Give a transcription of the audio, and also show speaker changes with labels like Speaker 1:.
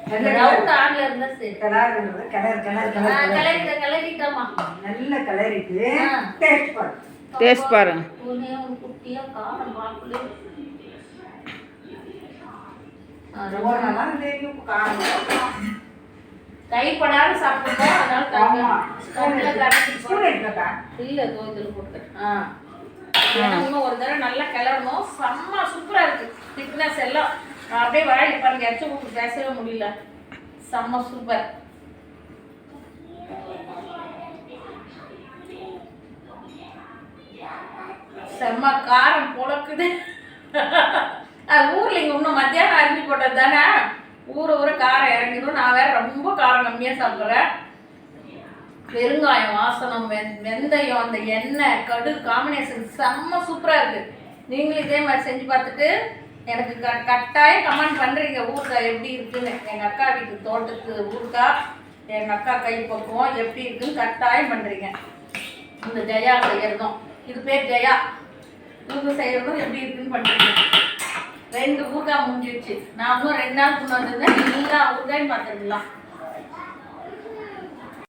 Speaker 1: Round ஆட்ல இருந்தா சரி.
Speaker 2: கிளறிட்டோமா நல்ல கிளறிட்டு
Speaker 3: டேஸ்ட் பாருங்க.
Speaker 1: குட்டியா காரம் பாக்குல கைப்படாத சாப்பிடுவோம். அதனால இல்ல தோதில் போட்டுக்கிட்டேன். இன்னும் ஒரு தடவை நல்லா கிளறணும். செம்ம சூப்பரா இருக்கு. திக்னஸ் எல்லாம் அப்படியே வாயில் பாருங்க. எச்ச ஊட்டு பேசவே முடியல. செம்ம சூப்பர். செம்ம காரம் பொழக்குது. ஊர்ல இங்க இன்னும் மத்தியானம் அரிஞ்சு போட்டது தானே. ஊற காரம் இறங்கிடும். நான் வேற ரொம்ப காரம் கம்மியா சாப்பிட்றேன். பெருங்காயம் வாசனம், வெந்தயம், அந்த எண்ணெய் கடு காம்பினேஷன் செம்ம சூப்பரா இருக்கு. நீங்களும் இதே மாதிரி செஞ்சு பார்த்துட்டு எனக்கு கட்டாயம் கமெண்ட் பண்றீங்க ஊறுகாய் எப்படி இருக்குன்னு. எங்க அக்கா வீட்டு தோட்டத்து ஊறுகாய், எங்க அக்கா கை பக்குவம் எப்படி இருக்குன்னு கட்டாயம் பண்றீங்க. இந்த ஜெயா செய்யறதும், இது பேர் ஜெயா, இவங்க செய்யறதும் எப்படி இருக்குன்னு பண்றீங்க. 2 ஊறுகாய் முடிஞ்சிடுச்சு. நான் இன்னும் 2 நாள் கொண்டு வந்திருந்தேன். எல்லா ஊறுகாயும் பார்த்துருக்கலாம்.